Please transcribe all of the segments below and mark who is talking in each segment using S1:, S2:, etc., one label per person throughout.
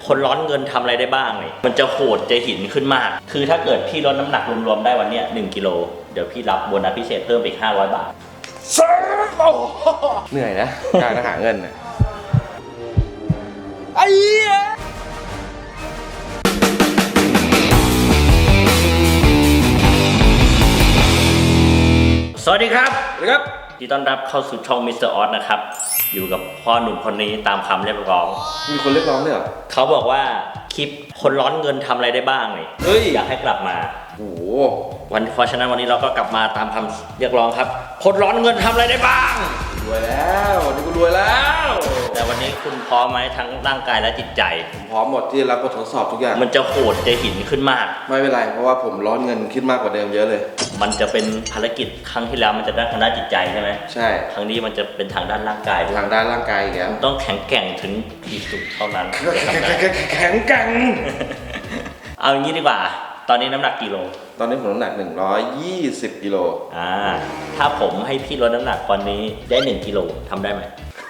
S1: คนร้อนเงินทำอะไรได้บ้างเลยมันจะโหดจะหินขึ้นมากคือถ้าเกิดพี่ลดน้ำหนักรวมๆได้วันเนี้ย1 กิโลเดี๋ยวพี่รับโบนัสพิเศษเพิ่มอีก500 บาท
S2: เหนื่อยนะการหาเงินนะ
S1: ไอ้เหี้ยสวัสดีครับที่ต้อนรับเข้าสู่ช่องมิสเตอร์ออสนะครับอยู่กับพ่อหนุ่มคนนี้ตามคำเรียกร้อง
S2: มีคนเรียกร้องด้วยเหรอ
S1: เขาบอกว่าคลิปคนร้อนเงินทำอะไรได้บ้างเลยอยากให้กลับมา
S2: โอ้
S1: เพราะฉะนั้นวันนี้เราก็กลับมาตามคำเรียกร้องครับคนร้อนเงินทำอะไรได้บ้าง
S2: รวยแล้ววันนี้กูรวยแล้ว
S1: แต่วันนี้คุณพร้อมไหมทั้งร่างกายและจิตใจ
S2: ผมพร้อมหมดที่จะรับบททดสอบทุกอย่าง
S1: มันจะโหดจะหินขึ้นมาก
S2: ไม่เป็นไรเพราะว่าผมร้อนเงินขึ้นมากกว่าเดิมเยอะเลย
S1: มันจะเป็นภารกิจครั้งที่แล้วมันจะด้านทางด้านจิตใจใช่ไหม
S2: ใช่
S1: ครั้งนี้มันจะเป็นทางด้านร่างกาย
S2: ทางด้านร่างกายอีกแล้ว
S1: ต้องแข็งแกร่งถึงที่สุดเท่านั้น
S2: แข็งแกร่ง
S1: เอาอย่างนี้ดีกว่าตอนนี้น้ำหนักกี่โล
S2: ตอนนี้ผมน้ำหนัก120 กิโล
S1: ถ้าผมให้พี่ลดน้ำหนักตอนนี้ได้1 กิโลทำได้ไหม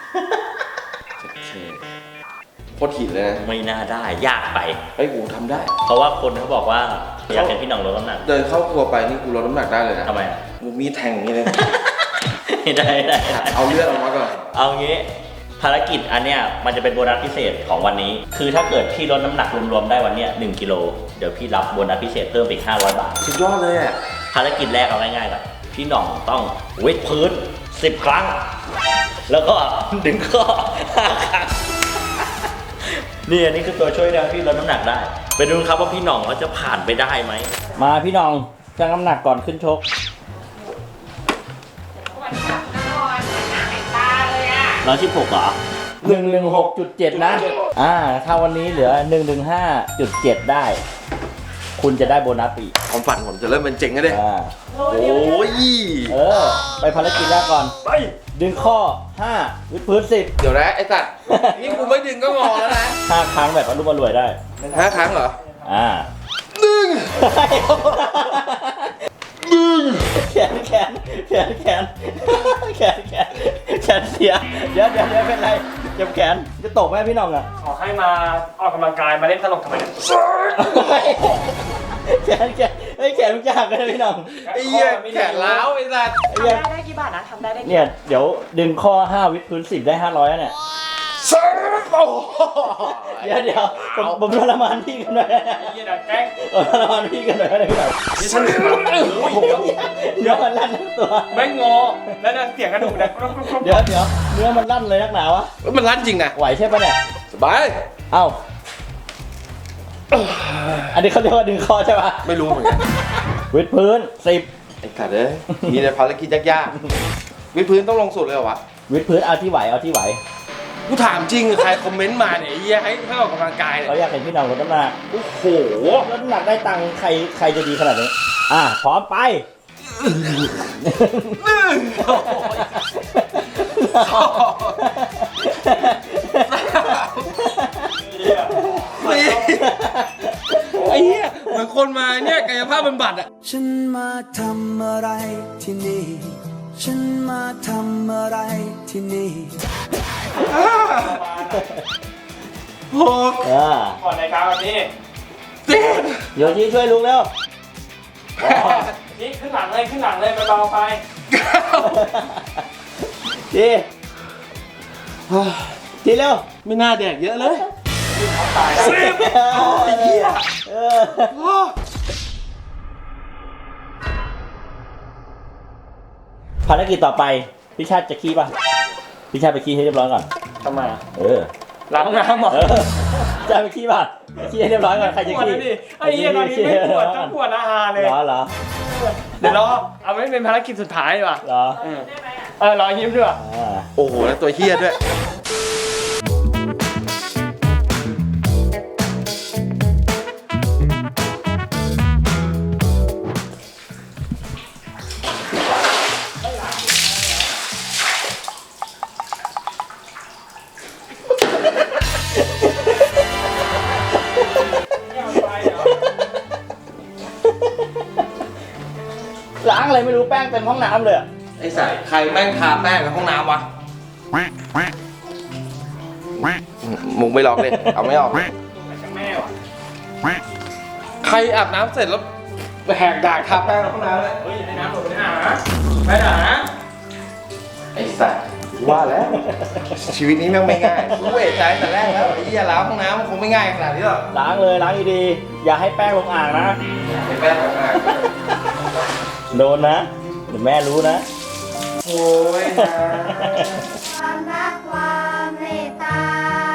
S2: โคตรหินเลยนะ
S1: ไม่น่าได้ยากไป
S2: ไอ้กูทำได้
S1: เพราะว่าคนเขาบอกว่าอยากเห็นพี่หน่องลดน้ำหนัก
S2: เดินเข้าครัวไปนี่กูลดน้ำหนักได้เลยนะ
S1: ทำไม
S2: กูมีแทงอย่างนี้เลย
S1: ได้
S2: เอาเลือดออกมาก่อน
S1: เอางี้ภารกิจอันเนี้ยมันจะเป็นโบนัสพิเศษของวันนี้คือถ้าเกิดพี่ลดน้ำหนักรวมๆได้วันเนี้ย1 กิโลเดี๋ยวพี่รับโบนัสพิเศษเพิ่มอีก500 บาท
S2: สุดยอดเลยอ่ะ
S1: ภารกิจแรกเอาง่ายๆก่อนพี่หน่องต้องวิดพื้น10 ครั้งแล้วก็ดึงข้อ5 ครั้งนี่อันนี้คือตัวช่วยนะพี่ลดน้ำหนักได้ไปดูครับว่าพี่หน่องเขาจะผ่านไปได้ไหมมาพี่หน่องชั่งน้ำหนักก่อนขึ้นชก116เหรอ116.7นะถ้าวันนี้เหลือ115.7ได้คุณจะได้โบนัสอีก
S2: ความฝันผมจะเริ่มเป็นเจ๋งแล้วดิโอ้ย
S1: ไปภารกิจแรกก่อนไปดึงข้อ5วิดพื้น10
S2: เดี๋ยวนะไอ้สัตว์นี่กูไม่ดึงก็งอแล้วนะ
S1: 5 ครั้งแบบอรุ่มอร่วยได้
S2: 5 ครั้งเหรอดึง
S1: แขนเสียเดี๋ยวเป็นไรเจ็บแขนจะตกไหมพี่น้องอ่ะ
S3: ขอให้มาออกกำลังกายมาเล่นตลกทำไม
S1: แขนมันจะหักเลยพี่น้อง
S2: ไอ้เหี้ยแขนล้าวไอ้สัตว์
S4: ได้กี่บาทนะทำได้
S1: เนี่ยเดี๋ยวดึงข้อ5วิดพื้น10ได้500เนี่ยเดี๋ยวผมทรมานพี่กันหน่อย
S3: แกล้ง
S1: ทรมานพี่กันหน่อยได้ไหม
S3: นี่ฉัน
S1: เดี๋ยวมันลั่นทั้งตัว
S3: ไม่งอแล้วเสียงกระดูกนะ
S1: เดี๋ยวเนื้อมันลั่นเลยนักหนาวะ
S2: มันลั่นจริงนะ
S1: ไหวใช่ปะเนี่ย
S2: สบาย
S1: เอ้าอันนี้เขาเรียกว่าดึงคอใช่ปะ
S2: ไม่รู้เหมือนกัน
S1: วิดพื้น10
S2: ไอ้สัตว์เลยมีแต่ภารกิจยากๆวิดพื้นต้องลงสุดเลยเหรอวะ
S1: วิดพื้นเอาที่ไหว
S2: กูถามจริงใครคอมเมนต์มาเนี่ยให้ออกกำลังกายเนี่ย
S1: เขาอยากเห็นพี่น้องลดน้ำหนัก
S2: โอ้โห
S1: ลดน้ำหนักได้ตังค์ใครจะดีขนาดนี้พร้อมไป
S2: ไอ้เหี้ยเหมือนคนมาเนี่ยกายภาพบำบัดอ่ะ
S5: ฉันมาทำอะไรที่นี่ฉันมาทำอะไรที่นี่
S3: ก่อนในการแบบนี้
S1: โยชิช่วยลุงเร็ว
S3: นี่ขึ้นหลังเลยไปเบาไป
S1: ทีเร็ว
S2: ไม่น่าแดกเยอะเลย
S1: ภารกิจต่อไปพี่ชาติจะขี้ป่ะพี่ชาติไปขี้ให้เรียบร้อยก่อน
S3: ทำไมล้างน้ำหรอ
S1: จะไปขี้ป่ะขี้ให้เรียบร้อยก่อนใครจะขี้
S3: ไอ้เหี้ยตอนนี้ไม่ปวดต้องปวดอาหารเลย
S1: เหรอ
S3: เดี๋ยวรอเอาไว้เป็นภารกิจสุดท้ายดีกว่า
S1: เหรอ
S3: รอยิ้มด้วย
S2: โอ้โหแล้วตัวเหี้ยด้วย
S1: ล้างอะไรไม่รู้แป้งเต็มห้องน้ำเลย
S2: ไอ้สัสใครแม่งทาแป้งในห้องน้ำวะมึงไม่ลอกเลยเอาไม่ออกใครอาบน้ำเสร็จแล้วแหกด่างทาแป้งในห้องน้ำเลย
S3: เฮ้ยในน้ำหมดไม่ได้นะไม่ได้นะ
S2: ไอ้สัตว์ว่าแล้ว ชีวิตนี้แม่งไม่ง่ายกูเอะใจแต่แรกแล้วไอ้เหี้ยล้างห้องน้ำมันคงไม่ง่ายขนาดนี้หรอก
S1: ล้างเลยล้างดีๆอย่าให้แป้งลงอ่างนะ
S2: ไอ้แป้งแบบนั้น
S1: โดนนะเดี๋ยวแม่รู้นะ
S2: โอ้ยนะ
S4: ความรักความเมตตา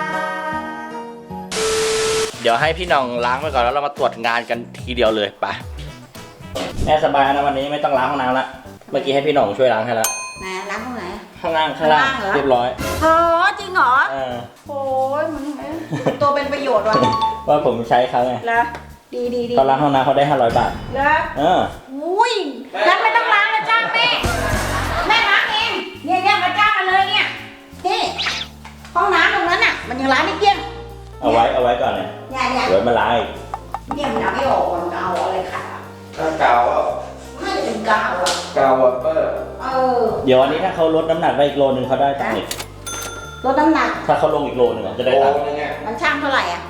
S1: เดี๋ยวให้พี่น้องล้างไปก่อนแล้วเรามาตรวจงานกันทีเดียวเลยไปแม่สบายนะวันนี้ไม่ต้องล้างห้องน้ำละเมื่อกี้ให้พี่น้องช่วยล้างให้ละ
S4: ไหนล้างตรงไหน
S1: ข้างล่าง
S4: ข้างล่างเหรอ
S1: เรียบร้อย
S4: โอ้จริงเหรอ
S1: เออ
S4: โอ้ยมันตัวเป็นประโยชน์ว่ะ
S1: ว่าผมใช้เขาไง
S4: แล้วดีดีดี
S1: เขาล้างห้องน้ำเขาได้500 บาท
S4: แล้ว
S1: เออ
S4: อุ้ยงั้นไม่ต้องล้างแล้วจ้างแม่แม่ล้างเองเนี่ยมาจ้างมาเลยเนี่ยนี่ห้องน้ำตรงนั้นน่ะมันยังล้างไม่เกลี้ยง
S1: เอาไว้ก่อนเนี่ย
S4: เนี่ย
S1: เดี๋ยวมาล้างอีก
S4: เนี่ยมันเอาไม่ออกมันเอาอะไรขัดอ่ะ
S2: ถ้ากาวอ่ะ
S4: ไม่จะเป็นกาวอ่ะ
S2: กาวอะเปอร์
S4: เออ
S1: เดี๋ยววันนี้ถ้าเขาลดน้ำหนักได้อีกโลนึงเขาได้ตังค์อีก
S4: ลดน้ำหนัก
S1: ถ้าเขาลงอีกโลนึงอะจะได้
S2: โอ้
S1: ตังค์
S2: ยเนี่ย
S4: มันช่างเท่าไหร่อ่ะ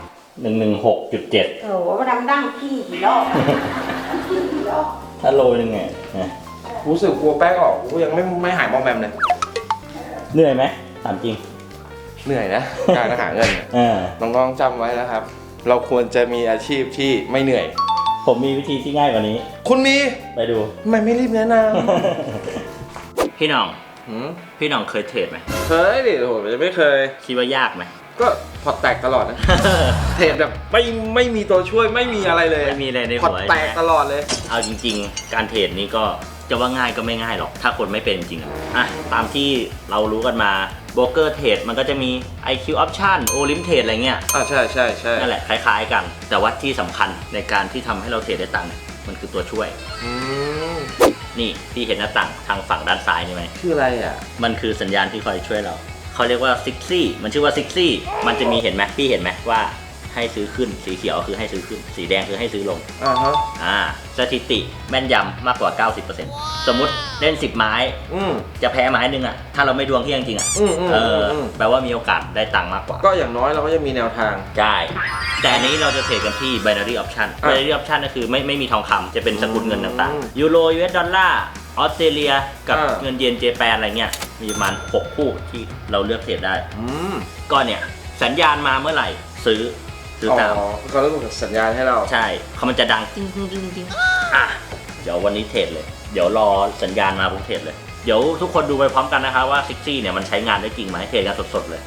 S1: 116.7
S4: โอ้โหมันดำดั้งขี้กี่รอบขี้กี่รอบ
S1: ถ้าโลนึงไงนะ
S2: รู้สึกกลัวแป้งออกกูยังไม่หายมอมแมมเลย
S1: เหนื่อยไหมถามจริง
S2: เหนื่อยนะการหาเงิน
S1: เออ
S2: น้องๆจำไว้นะครับ เราควรจะมีอาชีพที่ไม่เหนื่อย
S1: ผมมีวิธีที่ง่ายกว่านี้
S2: คุณมี
S1: ไปดู
S2: ทำไมไม่รีบแนะน
S1: พี่น้อง
S2: ำ
S1: พี่น้องเคยเทรดไหม
S2: เคยดิโหไม่เคย
S1: คิดว่ายากไหม
S2: ก็พอร์ตแตกตลอดนะ เทรดแบบไม่มีตัวช่วยไม่มีอะไรเลย
S1: ไม่มีอะไรใน
S2: พอ
S1: หั
S2: ร์
S1: ว
S2: ตแตกตลอดเลย
S1: เอาจริงๆ การเทรดนี่ก็จะว่าง่ายก็ไม่ง่ายหรอก ถ้าคนไม่เป็นจริงอ่ะตามที่เรารู้กันมาโบรกเกอร์เทรดมันก็จะมี IQ Option Olim Trade อะไรเงี้ย
S2: ใช่ใช่ใช่
S1: นั่นแหละคล้ายๆกัน แต่ว่าที่สำคัญในการที่ทำให้เราเทรดได้ตังค์เนี่ยมันคือตัวช่วย
S2: อืม
S1: นี่พี่เห็นหน้าต่างทางฝั่งด้านซ้ายนี่ไหม
S2: คืออะไรอ่ะ
S1: มันคือสัญญาณที่คอยช่วยเรา เขาเรียกว่าซิกซี่มันชื่อว่าซิกซี่มันจะมีเห็นไหมพี่เห็นไหมว่าให้ซื้อขึ้นสีเขียวคือให้ซื้อขึ้น สีแดงคือให้ซื้อลง
S2: ฮะ
S1: สถิติแม่นยำมากกว่า 90%สมมุติเล่น10 ไม้
S2: อืม
S1: จะแพ้ไม้หนึงอ่ะถ้าเราไม่ดวงเที่ยงจริงอ่ะ แปลว่ามีโอกาสได้ตังค์มากกว่า
S2: ก็อย่างน้อยเราก็จะมีแนวทาง
S1: ใช่แต่อันนี้เราจะเทรดกันที่ binary option binary option ก็คือไม่มีทองคำจะเป็นสกุลเงินต่างๆยูโร US ดอลลาร์ออสเตรเลียกับเงินเยนเจแปนอะไรเงี้ยมีประมาณ6คู่ที่เราเลือกเทรดได้
S2: อืม
S1: ก็เนี่ยสัญญาณมาเมื่อไหร่ซื้อตาม
S2: เขาเริ่มส่งสัญญาณให้เรา
S1: ใช่เขามันจะดังจริงจริงจริงจริงอ่ะเดี๋ยววันนี้เทรดเลย เดี๋ยวรอสัญญาณมาปุ๊บเทรดเลย เดี๋ยวทุกคนดูไปพร้อมกันนะคะว่าซิกซี่เนี่ยมันใช้งานได้จริงไหมเทรดกันสดๆเลย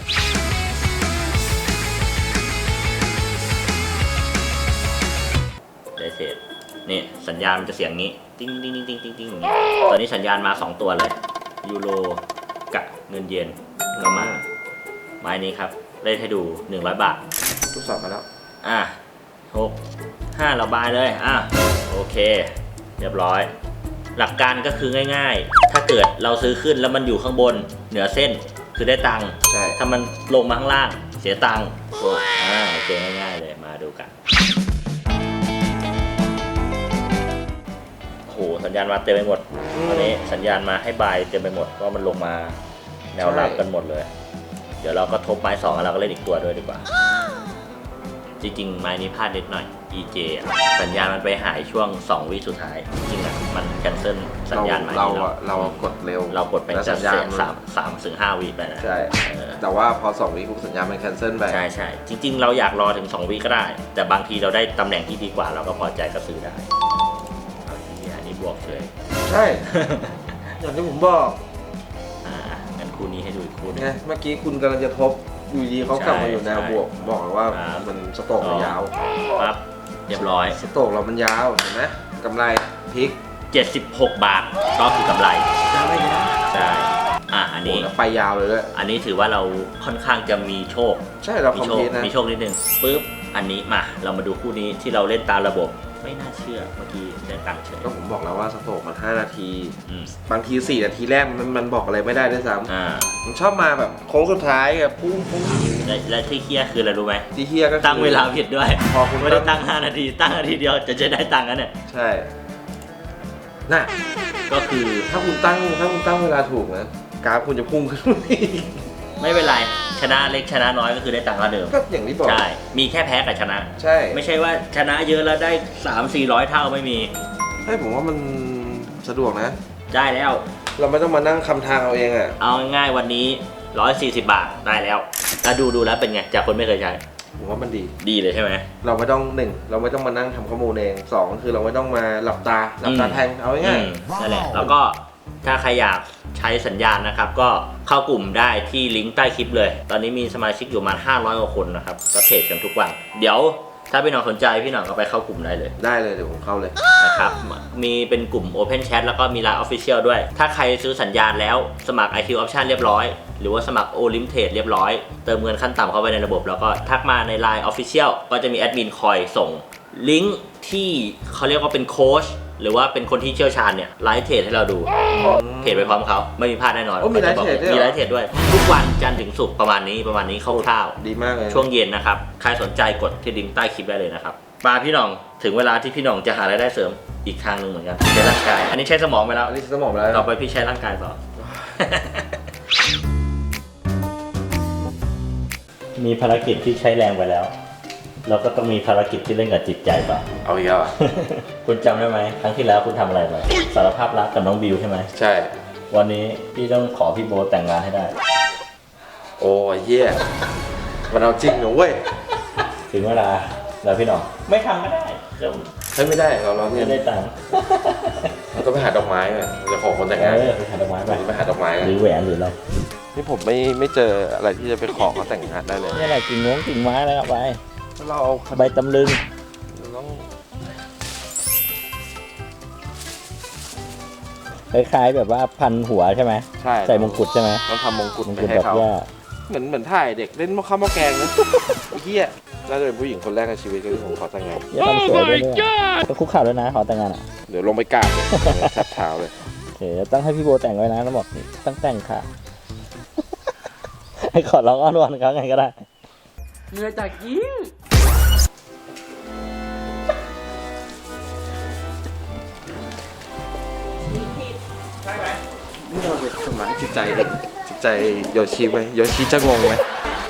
S1: ได้เทรดนี่สัญญาณมันจะเสียงงี้ติ้งติ้งติ้งติ้งติ้งติ้งอย่างงี้ตอนนี้สัญญาณมา2ตัวเลยยูโรกับเงินเยนก็มาไม้นี้ครับเล่นให้ดู100 บาท
S2: ทดสอบมาแล้ว
S1: 5เราบายเลยโอเคเรียบร้อย หลักการก็คือง่ายๆ ถ้าเกิดเราซื้อขึ้นแล้วมันอยู่ข้างบนเหนือเส้นคือได้ตังค์
S2: ใช่
S1: ถ้ามันลงมาข้างล่างเสียตังค์โอเคง่ายๆเลยมาดูกันโอ้โหสัญญาณมาเต็มไปหมดตอนนี้สัญญาณมาให้บายเต็มไปหมดเพราะมันลงมาแนวรับกันหมดเลย เดี๋ยวเราก็ทบไม้2แล้วเราก็เล่นอีกตัวด้วยดีกว่าจริงๆไม้นี้พลาดนิดหน่อย EJ สัญญาณมันไปหายช่วง2 วิสุดท้ายจริงๆมันแคนเซิลสัญญาณไม้นี้
S2: เรากดเร็ว
S1: เรากดไป
S2: แล้ว
S1: จะ
S2: สัญญาณ
S1: 3 ถึง 5 วิไปนะ
S2: ใช่ แต่ว่าพอ2 วิปุ๊บสัญญาณมันแคนเซิลไป
S1: ใช่จริงๆเราอยากรอถึง2 วิก็ได้ แต่บางทีเราได้ตำแหน่งที่ดีกว่าเราก็พอใจก็ซื้อได้อันนี้บวกเลย
S2: ใช่ อย่างที่ผมบอก
S1: งั้นคู่นี้ให้ดูอีกคู่นึง
S2: ไงเมื่อกี้คุณกำลังจะทบอยู่ดีเขากลับมาอยู่แนวบวกบอกเลยว่ามันสโตรกเรายาว
S1: ปั๊บเรียบร้อย
S2: สโตรกเรามันยาวเห็นไหมกำไรพลิก
S1: 76 บาทก็คือกำไรใช่อันนี้
S2: แล้วไปยาวเลยด้วย
S1: อันนี้ถือว่าเราค่อนข้างจะมีโชค
S2: ใช่เราคอมพิวต์นะ
S1: มีโชคนิดนึงปึ๊บอันนี้มาเรามาดูคู่นี้ที่เราเล่นตามระบบไม่น่าเชื่อเมื่อกี้ได้ตังค์เฉย
S2: ก็ผมบอกแล้วว่าสโตรกมัน5 นาที
S1: อืม
S2: บางที4 นาทีแรกมันบอกอะไรไม่ได้ด้วยซ้
S1: อ่า
S2: ำมันชอบมาแบบโค้งสุดท้ายแบบพุ่ง
S1: และที่เคี้ยคืออะไรรู้ไหม
S2: ที่เฮียก็คือ
S1: ตั้งเวลาผิดด้วย
S2: พอคุณ
S1: ไม่ได้ตั้ง5 นาทีตั้งนาทีเดียวจะได้ตังค์กันเนี่ย
S2: ใช่น่ะ
S1: ก็คือ
S2: ถ้าคุณตั้งเวลาถูกนะกราฟคุณจะพุ่งขึ้นอีก
S1: ไม่เป็นไรชนะเล็กชนะน้อยก็คือได้ตังค์เท่าเดิม
S2: ก็อย่างที่บอก
S1: ใช่มีแค่แพ้กับชนะ
S2: ใช่
S1: ไม่ใช่ว่าชนะเยอะแล้วได้ 300-400 เท่าไม่มี
S2: ใช่ผมว่ามันสะดวกนะ
S1: ได้แล้ว
S2: เราไม่ต้องมานั่งคำทางเอาเองอ่ะ
S1: เอาง่ายๆวันนี้140 บาทได้แล้วดูแล้วเป็นไงจากคนไม่เคยใช้
S2: ผมว่ามันดี
S1: ดีเลยใช่ไหม
S2: เราไม่ต้องเราไม่ต้องมานั่งทำข้อมูลเอง2คือเราไม่ต้องมาหลับตาแทงเอาง่าย
S1: นั่นแหละแล้วก็ถ้าใครอยากใช้สัญญาณนะครับ ก็เข้ากลุ่มได้ที่ลิงก์ใต้คลิปเลย ตอนนี้มีสมาชิกอยู่ประมาณ500 กว่าคนนะครับก็เทรดกันทุกวันเดี๋ยวถ้าพี่หน่องสนใจพี่หน่องก็ไปเข้ากลุ่มได้เลย
S2: ได้เลยเดี๋ยวผมเข้าเลย
S1: นะครับมีเป็นกลุ่ม Open Chat แล้วก็มี Line Official ด้วย ถ้าใครซื้อสัญญาณแล้วสมัคร IQ Option เรียบร้อยหรือว่าสมัคร Olim Trade เรียบร้อยเติมเงินขั้นต่ำเข้าไปในระบบแล้วก็ทักมาใน Line Official ก็จะมีแอดมินคอยส่งลิงก์ที่เขาเรียกว่าเป็นโค้ชหรือว่าเป็นคนที่เชี่ยวชาญเนี่ยไลฟ์เทรดให้เราดูเทรดไปพร้อมเขาไม่มีพลาดแน่นอน
S2: โอ้มีไลฟ์เทรดด้วยเหรอ
S1: มีไลฟ์เทรดด้วย ทุกวันจันทร์ถึงศุกร์ประมาณนี้คร่าว
S2: ดีมากเลย
S1: ๆช่วงเย็นนะครับใครสนใจกดที่ลิงก์ใต้คลิปได้เลยนะครับมาพี่หน่องถึงเวลาที่พี่หน่องจะหารายได้เสริมอีกทางหนึ่งเหมือนกันใช้ร่างกายอันนี้ใช้สมองไปแล้ว
S2: อันนี้สมองแล้ว
S1: ต่อไปพี่ใช้ร่างกายต่อ มีภารกิจที่ใช้แรงไปแล้วเราก็ต้องมีภารกิจที่เล่นกับจิตใจต่อ
S2: เอาอีกแล้วอ่ะ
S1: คุณจำได้ไหมครั้งที่แล้วคุณทำอะไรไปสารภาพรักกับน้องบิวใช่ไหม
S2: ใช่
S1: วันนี้พี่ต้องขอพี่โบทแต่งงานให้ได้
S2: โอ้ยเหี้ยมันเอาจริงเหรอเว้ย
S1: ถึงเวลาแล้วพี่หน้องไม่ทำก็ได้เดี๋ยว
S2: เฮ้ยไม่ได้เราเนี่ย
S1: ไม่ได้ตังค์
S2: เราต้องไปหาดอกไม้อ่ะเราจะขอคนแต่งงาน
S1: ไปหาดอกไม้ไป
S2: ไปหาดอกไม้
S1: หรือแหวนหรืออะไร
S2: นี่ผมไม่เจออะไรที่จะไปขอเขาแต่งงานได้เลย
S1: นี่อะไรกิ่งไม้อะไรครับไป
S2: เราเอา
S1: ใบตำลึง
S2: เราต้อง
S1: คล้ายๆแบบว่าพันหัวใช่ไหม
S2: ใช่
S1: ใส่มงกุฎใช่ไหม
S2: ต้องทำมงกุฎ
S1: มง
S2: ไป
S1: กุฎ
S2: ให้
S1: ดอก
S2: เขา
S1: หญ้า
S2: เหมือนถ่ายเด็กเล่นข้าวหม้อแกงนะ ไอ้เหี้ยน่าจะเป็นผู้หญิงคนแรกในชีวิตที่ผมขอแต่งงาน
S1: อย่าทำสวยด้วยเนี่ยต้องคุกเข่าด้วยนะขอแต่งงานอ่ะ
S2: เดี๋ยวลงไปกราบเลยแทบเท้าเลย
S1: โอเคต้องให้พี่โบแต่งไว้นะต้องบอกนี่ต้องแต่งค่ะ ให้ขอร้องอ้อนวอนเขาไงก็ได้
S3: เหนื่อยจากยิง
S2: นี่เราไปทำร้ายจิตใจโยชิไหมโยชิจะงงไหม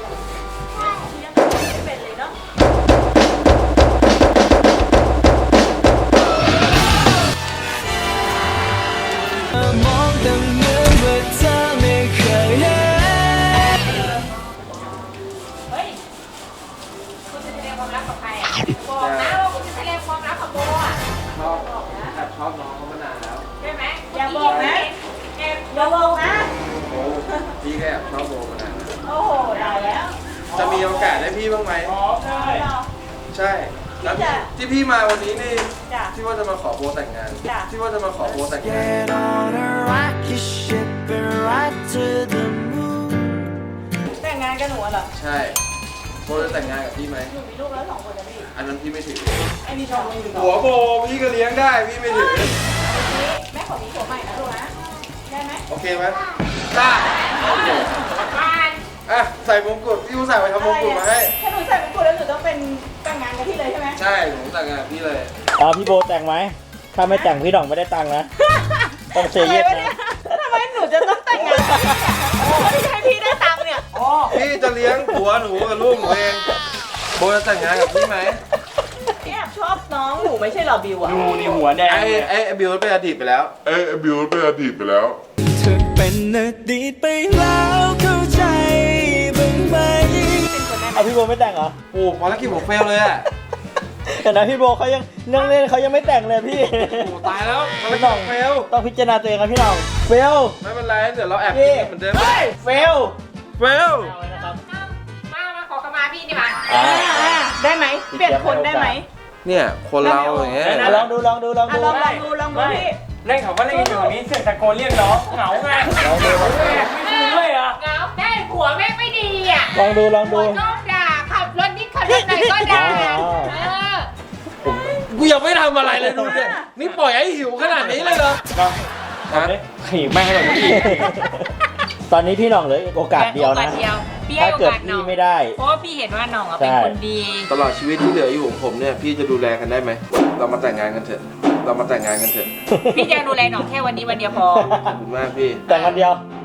S5: มองแต่เหมือนว่าเธอไม่เคยเห็น
S4: เฮ้ยคุณจะแสดงความรักกับใครอ่ะบอกนะว่าคุณจะแสดงความรักกับโบอ่ะ
S2: ชอบแอบชอบน้องเขามานานแล้ว
S4: ใช่ไหมอย่าบอกนะอย่าบอกนะ
S2: โอ้พี่ก็แอบชอบโบมานานแล้ว
S4: โอ้โหได้แล้ว
S2: จะมีโอกาสได้พี่บ้างไหม
S3: ได้
S2: ใช่แล้วที่พี่มาวันนี้นี่
S4: จ้ะ
S2: ที่ว่าจะมาขอโบแต่งงาน
S4: จ้ะ
S2: ที่ว่าจะมาขอโบแต่งงาน
S5: Get on a rocket ship and ride to the moon
S4: แต่งงานกับหนูเหรอ
S2: ใช่โบจะแต่งงานกับพี่ไหม
S4: หนูมีลูกแล้ว2 คนนะพี่
S2: อันนั้นพี่ไม่ถือ
S4: ไอ้นี่ชอบมึง
S2: หัวโบพี่ก็เลี้ยงได้พี่ไม่ถือ
S4: แม่ขอมีผัวใหม่นะลูกนะได้ไหม
S2: โอเคไหมได้โอเค
S4: บ้าน
S2: อ่ะใส่มงกุฎพี่อุตส่าห์ไปทำมงกุฎมาให้
S4: ถ้าหนูใส่มงกุฎแล้วหนูต้องเป็นแต่งงานกับพี่เลยใช่ไหม
S2: ใช่ผมแต่งงานกับพี่เลย
S1: พี่โบแต่งไหมถ้าไม่แต่งพี่หน่องไม่ได้ตังค์นะ ต้องเซเยสนะ
S4: ทำไมหนูจะต้องแต่งงานกับพี่เนี่ยไม่ใช่พี่ได้ตังค์เนี่ย
S2: พี่จะเลี้ยงผัวหนูกับลูกหนูเองโบจะแต่งงานกับพี่ไหม
S4: พี่แอบชอบน้องหนูไม่ใช่เหรอบิวอะ
S3: ดูนี่หัวแดง
S2: ไอ้บิวเป็นอดีตไปแล้ว
S6: บิวเป็นอดีตไปแล้ว
S5: เธอเป็นอดีตไปแล้วเข้าใจบ้างไหม
S4: เป็นคนได้ไหม
S1: เอาพี่โบไม่แต่งเหรอ
S2: โอ้ภารกิจผมเฟลเลยอ่ะ
S1: แต่นะพี่โบเขายังเรื่องเล่นเขายังไม่แต่งเลยพี่
S2: โอ้ตายแล้วภารกิจผมเฟล
S1: ต้องพิจารณาตัวเองครับพี่หน่องเฟล
S2: ไม่เป็นไรเดี๋ยวเราแอบ
S1: พี่
S2: กินเหมือนเดิม
S1: เฟล
S2: เฟล
S4: มาขอขมาพี่นี่มา
S1: อ่า
S4: ได้ไหมเปลี่ยนคนได้ไหม
S2: เนี่ยคนเราอย่างเงี้ย
S1: ลองดูลองดูลอง
S4: อ่ะ
S1: ดู
S4: ลองดูพี่
S3: เล่นเขาก็เล่นกันอยู่แบบนี้เสียงตะโกนเรียกน้องเหงาไงไม่คุยด้วยอ่ะ
S4: เงาได้ผัวแม่งไม่ดีอ่ะ
S1: ลองดูลอง
S4: ผั
S1: ดู
S4: วก็ด่าขับรถนิดขับรถหน่อยก็ด่า
S1: อ๋อ
S2: กูยังไม่ทำอะไรเลยดูเนี่ยนี่ปล่อยให้หิวขนาดนี้เลยเหรอฮะ
S3: ขี่แม่งให้เราอีก
S1: ตอนนี้พี่หน่องเหลยโอกาสเดียวนะ
S4: พี่ให้
S1: ถ้า
S4: โอ
S1: เกิด
S4: กาสน้
S1: พี่
S4: อง
S1: ไม่ได้
S4: เพราะว่าพี่เห็นว่าน้องอ่ะเป็นคนดี
S2: ตลอดชีวิตที่เหลืออยู่ของผมเนี่ยพี่จะดูแลกันได้ไหมเรามาแต่งงานกันเถอะเรามาแต่งงานกันเถอะ
S4: พี่จะดูแลน้องแค่วันนี้วันเดียวพอ
S2: ขอบคุณมากพี่
S1: แต่งวันเดียว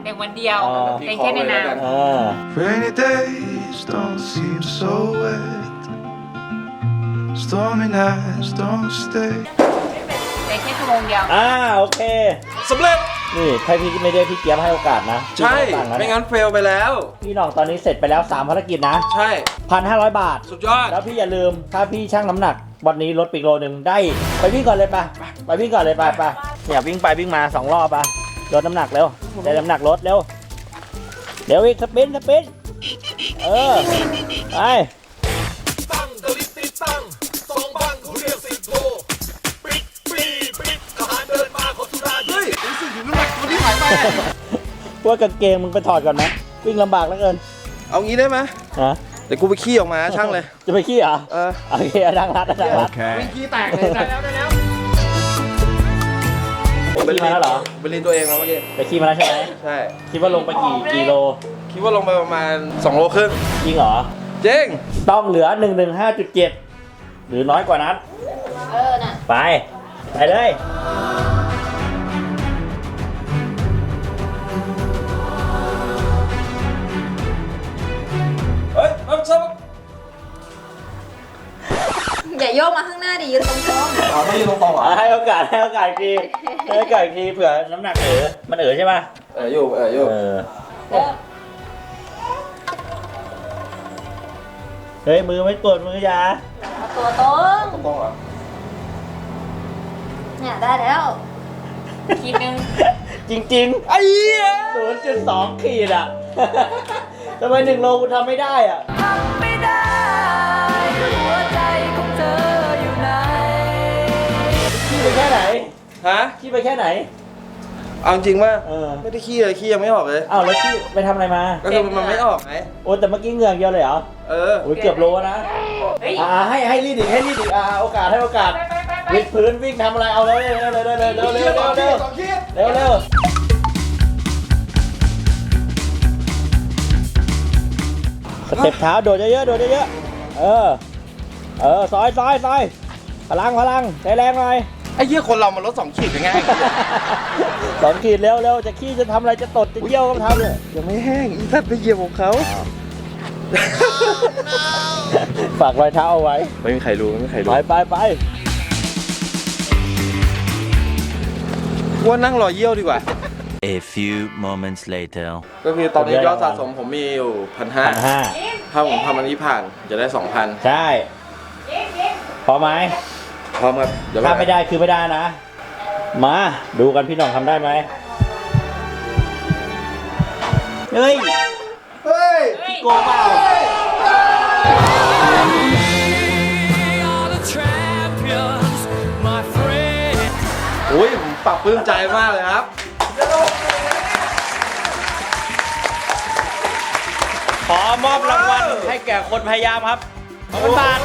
S7: เด็กวันเดียว
S1: อ๋อ
S7: เด็กแค่ในน้
S5: Rainy days don't seem so wet. Stormy nights don't stay.
S7: ำเด็กแค่ชั่วโมงเดียว
S1: โอเค
S2: สำเร็จ
S1: นี่ถ้าพี่ไม่ได้พี่เกียบให้โอกาสนะ
S2: ใช่
S1: พี่ต้องตังค์ะ
S2: ไม่งั้นเฟลไปแล้ว
S1: พี่หน่องตอนนี้เสร็จไปแล้ว 3 ภารกิจนะ
S2: ใช่
S1: 1,500 บาท
S2: สุดยอด
S1: แล้วพี่อย่าลืมถ้าพี่ชั่งน้ำหนักวันนี้ลดไปอีกโลนึงได้ไปวิ่งก่อนเลยไปวิ่งก่อนเลยไปเนี่ยวิ่งไปวิ่งมา2 รอบลดน้ำหนักเร็วได้น้ำหนักลดเร็วอีกสปินไปว่ากางเกงมึงไปถอดก่อนไหมวิ่งลำบากเหลือเกิน
S2: เอางี้ได้ไหม
S1: ฮะ
S2: เดี๋ยวกูไปขี้ออกมาช่างเลย
S1: จะไปขี้เหรอ โอเคดังรัด
S2: วิ่งขี้แตกเลยได้แล้ว
S1: ไปขี้มาแล้วเหรอ
S2: ไปเรียนตัวเองแล้วเมื่อกี้
S1: ไปขี้มาแล้วใช่ไหม
S2: ใช่
S1: คิดว่าลงไปกี่โล
S2: คิดว่าลงไปประมาณ2 โลครึ่ง
S1: จริงเหรอ
S2: เจ๊ง
S1: ต้องเหลือ 115.7 หรือน้อยกว่านั้น
S7: น่ะ
S1: ไปเลย
S2: เฮ้ยน้ำซับ
S7: อย่าโยกมาข้างหน้าดิยืนตรง
S2: อ๋อไม่ยืนตรงๆเหรอ
S1: ให้โอกาสอีกทีเผื่อน้ำหนักมันใช่ป่ะ
S2: อยู่
S1: เฮ้ยมือไม่ตรวจมือยา
S7: ๆตัวตรง
S2: ตรงๆเหรอ
S7: เนี่ยได้แล้วขีดนึง
S1: จริงๆ 0.2 ขีดอ่ะ ทำไม1 โลคุณทำไม่ได้อ่ะ
S5: ไม่ได้หัวใจของเธออยู่ไหน
S1: ขี้ไปแค่ไหน
S2: ฮะ
S1: ขี้ไปแค่ไหน
S2: เอาจริงว่า
S1: อ
S2: ไม่ได้ขี้เลยขี้ยังไม่ออกเลย
S1: อ้าวแล้วขี้ไปทำอะไรมา
S2: ก็คือมันไม่ออกไง
S1: โอ้แต่เมื่อกี้เหงื่อเดียวเลยเหรอ โอ้ยเกือบโลนะ ให้รีดอีกโอกาสวิดพื้นวิ่งทำอะไรเอาเลยเร็วสเต็ปเท้าโดดเยอะซอยพลังได้แรงหน่อย
S2: ไอ้เหี้ยคนเรามันลด2 ขีดยังไง
S1: 2 ขีดเร็วจะขี้จะทำอะไรจะตดจะเยี่ยวก็ทำเลย
S2: ยังไม่แห้งอีสัตว์ไปเหยียบของเขา
S1: ฝากรอยเท้าเอาไว้
S2: ไม่มีใครรู้ไม่มีใครรู้
S1: ไป
S2: ว่านั่งรอเยี่ยวดีกว่า
S8: A few moments later
S2: ก็คือตอนนี้ยอดสะสมผมมีอยู่ 1,500
S1: 1,500
S2: ถ้าผมทำอันนี้ผ่านจะได้ 2,000
S1: ใช่พอไหม
S2: พร้อมครับเดี๋ยว
S1: ถ้าไม่ได้คือไม่ได้นะ มาดูกันพี่หน่องทำได้ไหมเฮ้ย
S2: เฮ้ย
S1: โกงเปล่า
S2: อุ้ยผมปรับปลื้มใจมากเลยครับ
S1: ขอมอบรางวัลให้แก่คนพยายามครับ2,000 บาท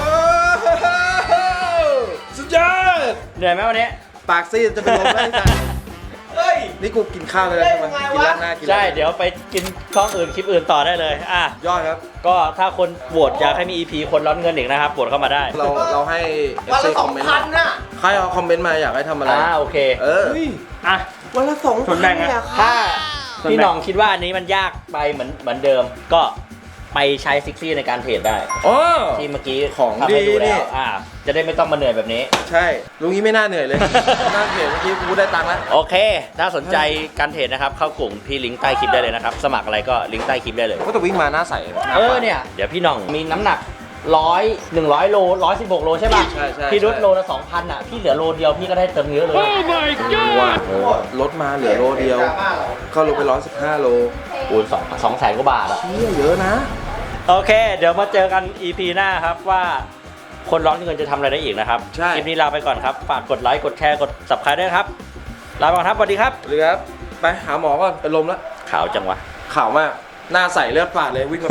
S2: สุดยอด
S1: เหนื่อยไหมวันนี้
S2: ปากซีดจะเป็นลมได้จ้ะนี่กูกินข้าวเลยใช่ไหมกินร้านหน้ากิน
S1: ใช่ เดี๋ยวไปกินช่องอื่นคลิปอื่นต่อได้เลย
S2: ยอดครับ
S1: ก็ถ้าคนโหวตอยากให้มี EP คนร้อนเงินอีกนะครับโหวตเข้ามาได้
S2: เราให้ FC คอมเมนต์ใครเอาคอมเมนต์มาอยากให้ทำอะไร
S1: โอเค
S2: วันละ2,000
S1: ส่วนแบ่งถ้าพี่หน้องคิดว่าอันนี้มันยากไปเหมือนเดิม ก็ไปใช้ซิกซี่ในการเทรดได้
S2: อ๋อ
S1: ที่เมื่อกี้
S2: ของ
S1: ทำให้
S2: ดี
S1: ดู
S2: นี่
S1: แล้วจะได้ไม่ต้องมาเหนื่อยแบบนี้
S2: ใช่ลุงนี้ไม่น่าเหนื่อยเลย น่าเหนื่อยเมื่อกี้กูได้ตังค์แล้ว
S1: โอเค ถ้าสนใจการเทรดนะครับเข้ากลุ่มพี่ลิงก์ใต้คลิปได้เลยนะครับ สมัครอะไรก็ลิงก์ใต้คลิปได้เลย
S2: ก็แต่วิ่งมาหน้าใส
S1: เนี่ยเดี๋ยวพี่หน้องมีน้ำหนัก100 โล 116 โลใช่ป่ะ
S2: ใช่
S1: พี่ลดโลละ 2,000พี่เหลือโลเดียวพี่ก็ได้เติมเยอะเลย
S2: ว่าลดมาเหลือโลเดียวก็ลงไป115 โล
S1: คูณ200,000 กว่าบาท
S2: เยอะนะ
S1: โอเค เดี๋ยวมาเจอกัน EP หน้าครับว่าคนร้อนเงินจะทำอะไรได้อีกนะครับ
S2: ใช่
S1: คลิปนี้ลาไปก่อนครับ ฝากกดไลค์กดแชร์กด Subscribe ด้วยครับ ลาไปก่อนครับสวัสดีครับ
S2: สวัสดีครับ ไปหาหมอก่อนเป็นลมแล้ว
S1: ขาวจังวะ
S2: ข่าวมาก หน้าใสเลือดฝาดเลยวิ่ง